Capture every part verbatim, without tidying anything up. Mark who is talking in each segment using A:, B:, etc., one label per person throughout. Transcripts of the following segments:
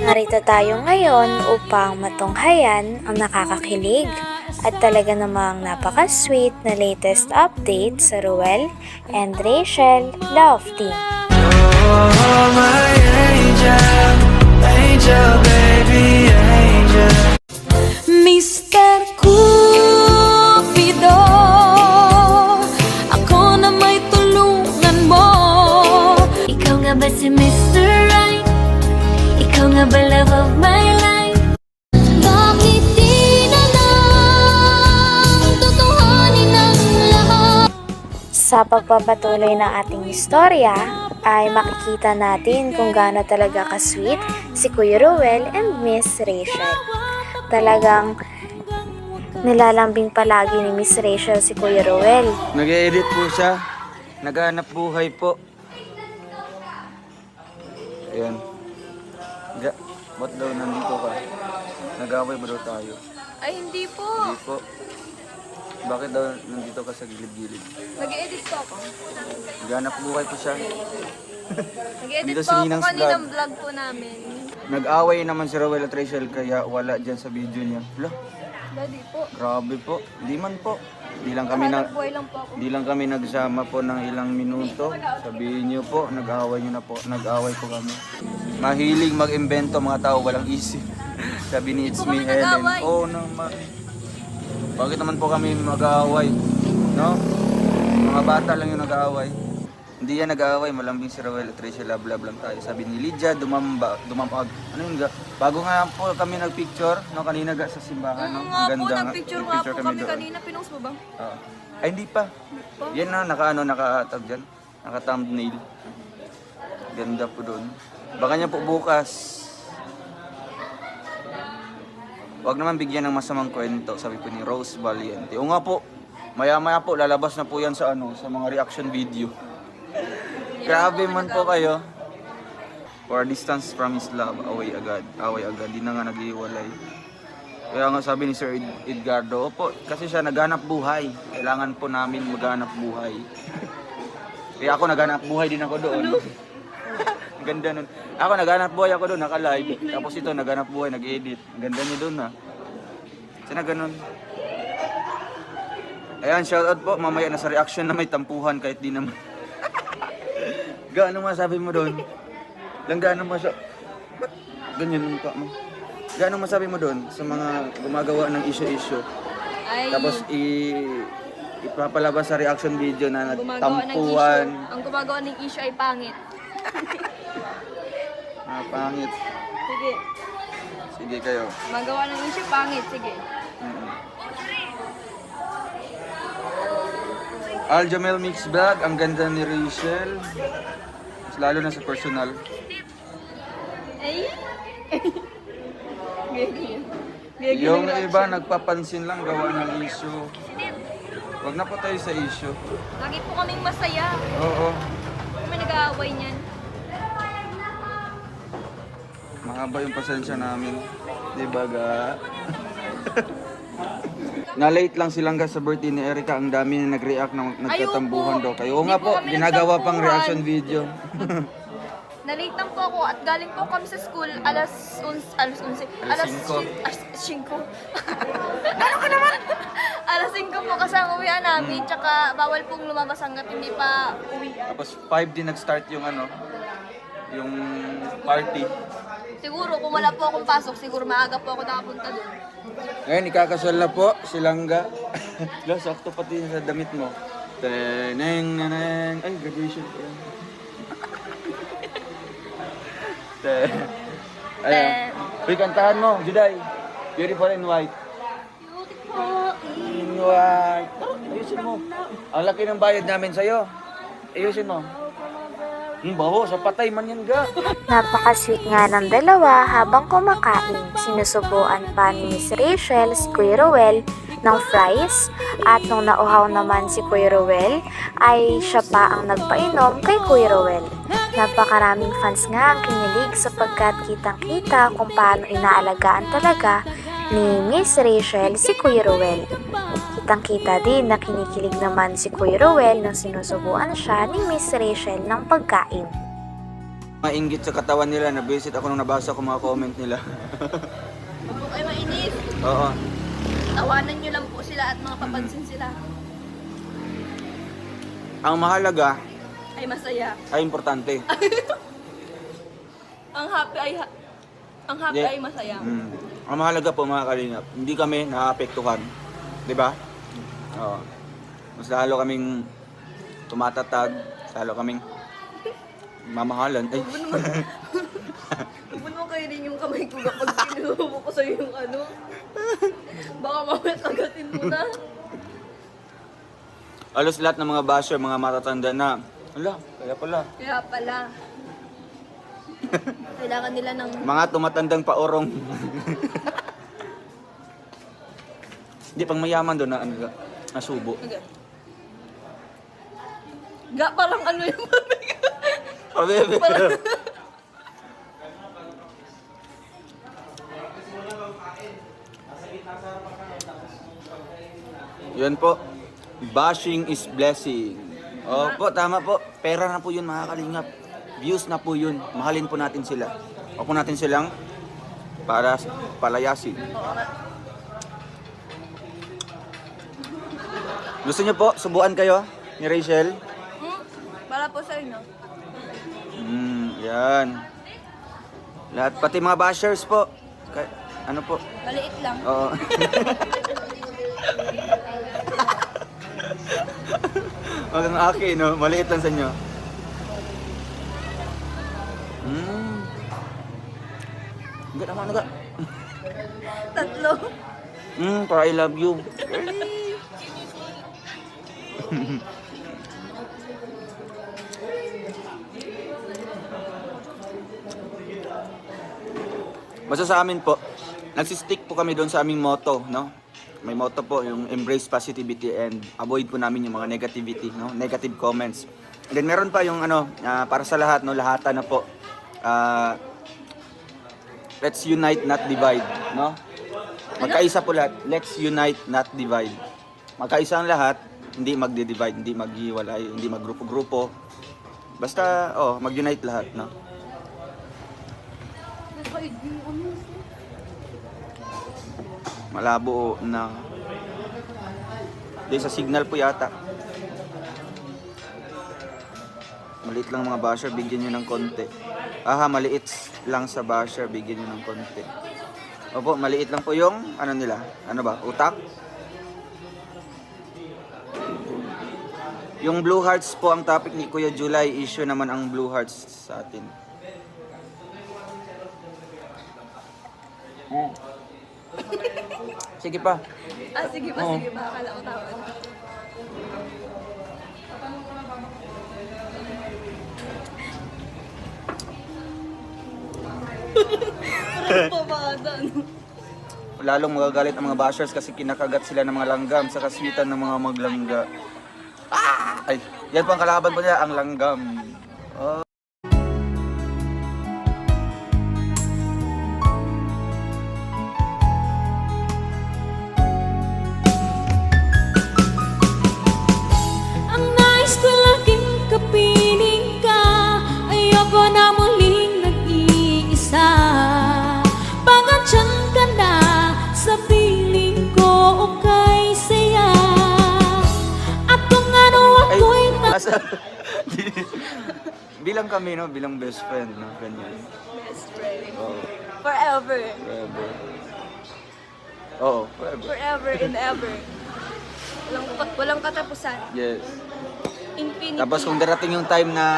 A: Narito tayo ngayon upang matunghayan ang nakakakilig at talaga namang napaka-sweet na latest update sa Ruel and Rachel Love Team.
B: Oh, my angel, angel, baby, angel.
C: mister Cupido, ako na may tulungan mo. Ikaw nga ba si mister Right? Ikaw nga ba love of my life? Bakit di na lang tutuhanin ang lahat?
A: Sa pagpapatuloy ng ating istorya, ay makikita natin kung gaano talaga ka-sweet si Kuya Ruel and Miss Rachel. Talagang nilalambing palagi ni Miss Rachel si Kuya Ruel.
D: Nag-edit po siya. Naghanap buhay po. Ayan. Ga, ba't daw nandito ka? Nag-away ba daw tayo?
E: Ay, hindi po.
D: Hindi po. Bakit daw nandito ka sa gilid-gilid?
E: Nag-edit po ako.
D: Naghanap buhay po siya.
E: Nag-edit
D: Dito
E: po
D: si
E: ako
D: Ninang's
E: kaninang
D: vlog.
E: vlog po namin.
D: Nag-away naman si Ruel at Rachel kaya wala dyan sa video niya. Hala,
E: Daddy po.
D: grabe po. Di man po. Di lang kami na...
E: Hanap buhay lang po ako.
D: Di lang kami nagsama po ng ilang minuto. Sabihin niyo po, nag-away niyo na po. Nag-away po kami. Mahilig mag-imbento mga tao, walang isip. Sabi ni It's Me
E: Kami
D: Helen.
E: nag-away.
D: Oo naman. Bakit naman po kami mag-away? No? Mga bata lang yung nag-away. Hindi yan nag-away, malambing si Ruel at Rachel, love love lang tayo. Sabi ni Lydia, dumamba, dumamag. Ano yun ga? Bago nga po kami nag-picture, no, kanina ga sa simbahan, no?
E: Oo nga po,
D: nga.
E: nag-picture nga po kami
D: doon.
E: kanina. Pinost mo ba?
D: Oo. Ay, hindi pa. Yan na, naka ano, naka-tag dyan. Naka-thumbnail. Ganda po doon. Baka niya po bukas. Huwag naman bigyan ng masamang kwento, sabi po ni Rose Valiente. O nga po, maya-maya po, lalabas na po yan sa ano, sa mga reaction video. Grabe man po kayo. For distance from his love, away agad. Away agad, di na nga nag-iwalay. Kaya nga sabi ni Sir Ed- Edgardo, opo, kasi siya naghanap buhay. Kailangan po namin maghanap buhay. Kaya ako naghanap buhay din ako doon. Ang ganda nun. Ako naghanap buhay ako doon, naka-live. Tapos ito naghanap buhay, nag-edit. Ang ganda niya doon ha. Sana ganun. Ayan, shoutout po. Mamaya na sa reaction na may tampuhan kahit di naman. Gaano masabi mo doon? Lang gaano masabi? Ba't ganyan ang mukha mo? Gaano masabi mo doon sa mga gumagawa ng issue-issue?
E: Ay,
D: Tapos i ipapalabas sa reaction video na
E: gumagawa ng
D: tampuhan.
E: issue. Ang gumagawa ng issue ay pangit.
D: Ah, pangit.
E: Sige.
D: Sige kayo.
E: Magawa ng issue, pangit. Sige.
D: Mm-mm. Aljamel Mix Vlog, ang ganda ni Rachel. Mas lalo na sa personal.
E: Ay! Gigi. Gigi
D: Yung
E: ng
D: iba
E: reaction.
D: nagpapansin lang gawa ng issue. Wag na po tayo sa issue.
E: Lagi po kaming masaya.
D: Oo.
E: Kami nag-aaway niyan.
D: Mahaba yung pasensya namin. Di ba ga? Na-late lang silang ga sa birthday ni Erica. Ang dami na nag-react na nagtatambuhan daw kayo. Oo nga
E: Hindi po
D: po,
E: kami
D: ginagawa pang
E: nagtampuhan.
D: reaction video.
E: Nalate lang po ako at galing po kami sa school alas uns, alas unse,
D: Alas
E: alas
D: singko.
E: alas singko. Ano ka naman? alas singko po kasi ang uwian namin, tsaka bawal pong lumabas hanggat hindi pa uwi.
D: Tapos five din nag-start yung ano, yung party.
E: Siguro kung wala po akong pasok, siguro maaga po ako nakapunta doon.
D: Ngayon, ikakasal na po si Langga. Lo, sakto pati sa damit mo. Teneng, neneng. Ay, graduation po yan. Te. Ayan. Uy, kantahan mo, Juday. Beautiful in white. In white. Oh, ayusin mo. Ang laki ng bayad namin sa'yo. Ayusin mo. Hmm, baho, sa patay man yan ga.
A: Napaka-sweet nga ng dalawa habang kumakain. Sinusubuan pa ni Miss Rachel si Kuya Ruel ng fries at nung nauhaw naman si Kuya Ruel ay siya pa ang nagpainom kay Kuya Ruel. Napakaraming fans nga ang kinilig sapagkat kitang-kita kung paano inaalagaan talaga ni Miss Rachel si Kuya Ruel. Kitang-kita din na kinikilig naman si Kuya Ruel nang sinusubuan siya ni Miss Rachel ng pagkain.
D: Mainggit sa katawan nila, nabisit ako nung nabasa ko mga comment nila.
E: Huwag po kayo mainis.
D: Oo.
E: Tawanan nyo lang po sila at mga papansin sila.
D: Ang mahalaga
E: Ay masaya.
D: ay importante.
E: Ang happy ay ha- ang happy
D: Yeah.
E: ay masaya.
D: Mm. Ang mahalaga po mga kalingap, hindi kami naapektuhan. Di ba? Oo. Mas lalo kaming tumatatag, lalo kaming mamahalan. Ay.
E: Huwag mo kayo rin yung kamay ko kapag sinubo ko sa'yo yung ano. Baka mamaya kagatin mo na.
D: Alos lahat ng mga basher, mga matatanda na, ala, kaya pala.
E: Kaya pala. Kailangan nila ng...
D: Mga tumatandang paorong. Hindi, pang mayaman doon na, ano, nasubo.
E: Okay. Ga, parang ano yung mami ko.
D: Oh, bebe.
E: Parang...
D: Yun po. Bashing is blessing. Opo, tama po. Pera na po yun, mga kalingap. Views na po yun. Mahalin po natin sila. Huwag po natin silang para palayasin. Gusto niyo po, subuan kayo ni Rachel?
E: Hmm? Para po sa inyo.
D: Hmm, yan. Lahat, pati mga bashers po. Ka- ano po?
E: Maliit lang.
D: Oo. Wag ang aki, no? Maliit lang sa inyo. Hmm. Enggak naman, enggak.
E: Tatlo.
D: Hmm, para I love you. Basta sa amin po, nagsistick po kami doon sa aming motto, no? May motto po, yung embrace positivity and avoid po namin yung mga negativity, no? Negative comments. And then meron pa yung ano, ah, para sa lahat, no? Lahatan na po. Ah, let's unite, not divide, no? Magkaisa po lahat. Let's unite, not divide. Magkaisa ang lahat, hindi magdi-divide, hindi maghiwalay, hindi maggrupo-grupo. Basta, oh, mag-unite lahat, no? Malabo na. Di sa signal po yata. Maliit lang mga basher, bigyan nyo ng konti. Aha, maliit lang sa basher, bigyan nyo ng konti. Opo, maliit lang po yung, ano nila, ano ba, utak? Yung Blue Hearts po ang topic ni Kuya July, issue naman ang Blue Hearts sa atin. Mm. Sige pa.
E: Ah, sige pa,
D: Oo.
E: sige pa. Akala ko tama na. Parang pamada, no?
D: Lalong magagalit ang mga bashers kasi kinakagat sila ng mga langgam sa kaswitan ng mga maglangga. Ah! Ay, yan po ang kalaban po nila, ang langgam. Oh.
C: Ang nais ko laging kapiling ka. Ayoko na muling nag-iisa. Pagkatyan ka na sa piling ko o kay saya. At kung ano
D: Ay,
C: ako'y na-
D: asa, bilang kami, no? Bilang best friend, no? Ganyan.
E: Best friend.
D: Oh,
E: Forever.
D: forever. Oo, forever.
E: Forever and ever. Walang, walang katapusan.
D: Yes.
E: Infinity.
D: Tapos kung darating yung time na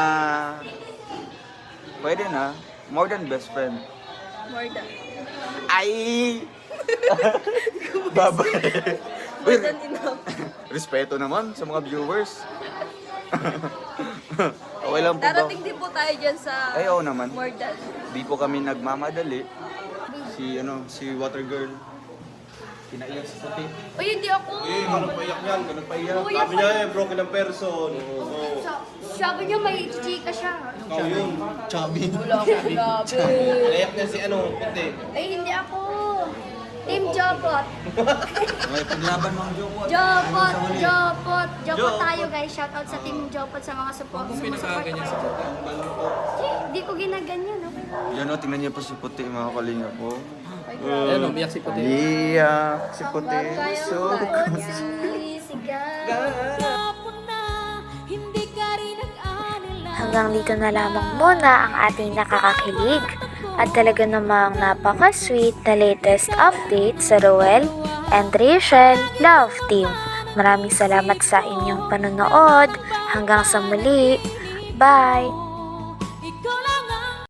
D: pwede na, more than best friend.
E: More than.
D: Ay! Babay.
E: More than enough.
D: Respeto naman sa mga viewers. Okay lang po ba?
E: Darating din po tayo dyan sa
D: Ay, oo naman.
E: more than.
D: Di po kami nagmamadali. Si ano, si Water Girl. Pinaiyak sa puti.
E: Uy, hindi ako.
F: Eh, ganun paiyak yan, ganun paiyak.
E: Kuya,
F: Sabi niya eh, broken ang person. Oo.
E: Sabi niya may chika siya.
F: Ikaw yun. Chubby.
E: Wala akong sinabi.
F: Naiyak niya si ano, puti.
E: Ay, hindi ako. Team Jopot.
D: May paglaban mga jowa.
E: Jopot, Jopot. Jopot tayo guys. Shoutout sa Team Jopot sa mga support. Huwag pinakaganyan sa Jopot. Di, ko ginaganyan, okay lang.
D: Yan o, tingnan niyo po si Puti mga kalinga po.
F: Ayun, umiyak si Puti.
D: Iyak si Puti. So,
C: Hindi ka rin nag-alala.
A: Hanggang dito na lamang muna ang ating nakakakilig at talaga namang napaka-sweet na latest update sa Roel and Rachel Love Team. Maraming salamat sa inyong panonood. Hanggang sa muli. Bye!